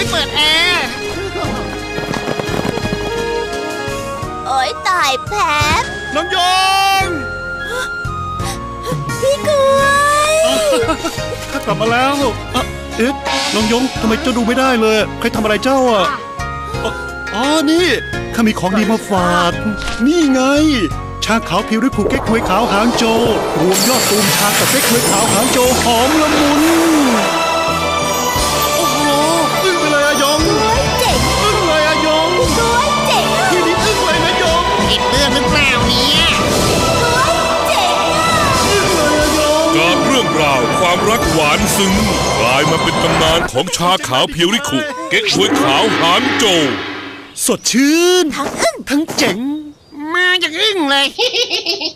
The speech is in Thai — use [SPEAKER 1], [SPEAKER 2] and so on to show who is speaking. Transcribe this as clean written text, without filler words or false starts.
[SPEAKER 1] ไม่เปิดแอร์
[SPEAKER 2] โอ๊ยตายแผล
[SPEAKER 3] น้องยง
[SPEAKER 2] พี่กล้วย
[SPEAKER 3] ข้ากลับมาแล้วเอ๊ะน้องยงทำไมเจ้าดูไม่ได้เลยใครทำอะไรเจ้าอ่ะอ๋อนี่ข้ามีของดีมาฝากนี่ไงชาขาวผิวด้วยผูกเก๊กฮวยขาวหางโจรวมยอดตูมชากับเก๊กฮวยขาวหางโจหอมละมุนโอ้โหอึ้งไปเลยอะยง
[SPEAKER 2] กล้วยเจ๋ง
[SPEAKER 3] อึ้งเลยอะยง
[SPEAKER 2] กล้วยเจ๋ง
[SPEAKER 3] ที่นี่อึ้งเลยนะยง
[SPEAKER 1] ติดเรื่องหรือเปล่าเนี่ย
[SPEAKER 2] กล้วยเจ๋งอ่ะ
[SPEAKER 3] อึ้งเลยอะยง
[SPEAKER 4] จากเรื่องราวความรักหวานซึ้งกลายมาเป็นตำนานของชาขาวเพียวริคุเก๊กฮวยขาวหางโจ
[SPEAKER 3] สดชื่น
[SPEAKER 2] ทั้งอึ้ง
[SPEAKER 3] ทั้งเจ๋ง
[SPEAKER 1] มาจากอึ้งเลย